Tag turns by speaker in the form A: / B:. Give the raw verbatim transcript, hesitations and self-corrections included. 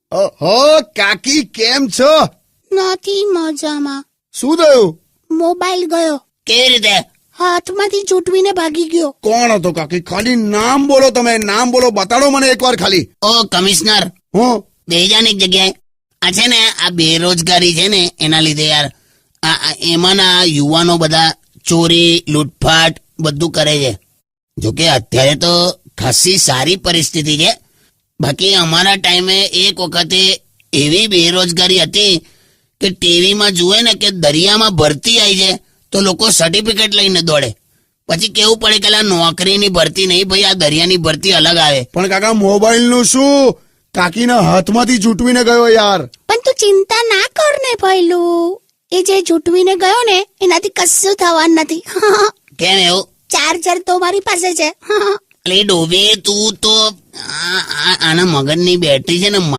A: ઓહો કાકી કેમ છો?
B: નથી મજામાં.
A: શું થયું?
B: મોબાઈલ ગયો,
C: કેવી રીતે?
B: હાથમાંથી છૂટવીને ભાગી ગયો.
A: કોણ હતો કાકી? ખાલી નામ બોલો, તમે નામ બોલો, બતાડો મને એકવાર ખાલી.
C: ઓ કમિશનર,
A: હું
C: બેજાન એક જગ્યાએ. આ છે ને આ બેરોજગારી છે ને એના લીધે યાર આ આ એમાંના યુવાનો બધા ચોરી લૂંટફાટ બધું કરે છે. જોકે અત્યારે તો ખાસી સારી પરિસ્થિતિ છે, બાકી અમારા ટાઈમે એક વખતે એવી બેરોજગારી હતી કે ટીવીમાં જુએ ને કે દરિયામાં ભરતી આવી છે તો લોકો સર્ટિફિકેટ લઈને દોડે. પછી કેવું પડે કે આ નોકરીની ભરતી નહીં ભાઈ, આ દરિયાની ભરતી અલગ આવે.
A: પણ કાકા મોબાઈલ નું શું? કાકીના હાથમાંથી છૂટવીને ગયો યાર.
B: પણ તું ચિંતા ના કર ને ભઈલું, એ જે છૂટવીને ગયો ને એનાથી કશું થવાનું નથી.
C: કેમ એવું?
B: ચાર્જર તો મારી પાસે છે.
C: અરે ડોબી તું તો આ- આ- આના મગજની બેટરી છે ને